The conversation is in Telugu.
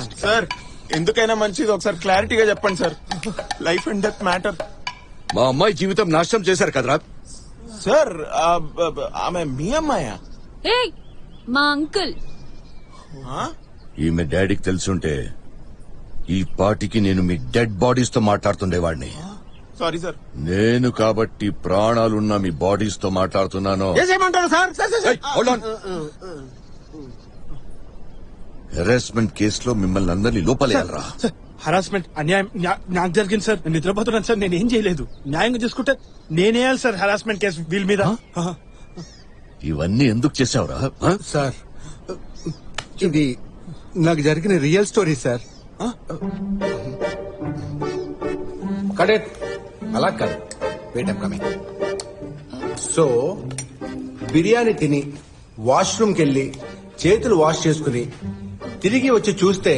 సార్ ఎందుకైనా మంచిది ఒకసారి క్లారిటీగా చెప్పండి sir. Life and death matter. మా అమ్మాయి జీవితం నాశనం చేశారు కదరా. సార్ ఆమె మీ అమ్మాయా? ఏయ్ మా అంకుల్. ఈమె డాడీకి తెలుసుంటే ఈ పాటికి నేను మీ డెడ్ బాడీస్ తో మాట్లాడుతుండేవాడిని. Sorry sir. నేను కాబట్టి ప్రాణాలున్న మీ బాడీస్ తో మాట్లాడుతున్నాను. ఏమంటారు సార్? హెరాస్మెంట్ కేసులో మిమ్మల్ని అందరినీ లోపలేయాలరా. హరాస్మెంట్ అన్యాయం నాకు జరిగింది సార్. నేను నిద్రపోతున్నాను సార్. నేను ఏం చేయలేదు. న్యాయంగా చూసుకుంటే నేనేయాలి సార్ హరాస్మెంట్ కేసు వీళ్ళ మీద. ఇవన్నీ ఎందుకు చేసావురా? సార్ ఇది నాకు జరిగిన రియల్ స్టోరీ సార్. కడెట్ అలా కాదు. Wait I'm coming. So biryani తిని వాష్రూమ్కి వెళ్ళి చేతులు వాష్ చేసుకుని తిరిగి వచ్చి చూస్తే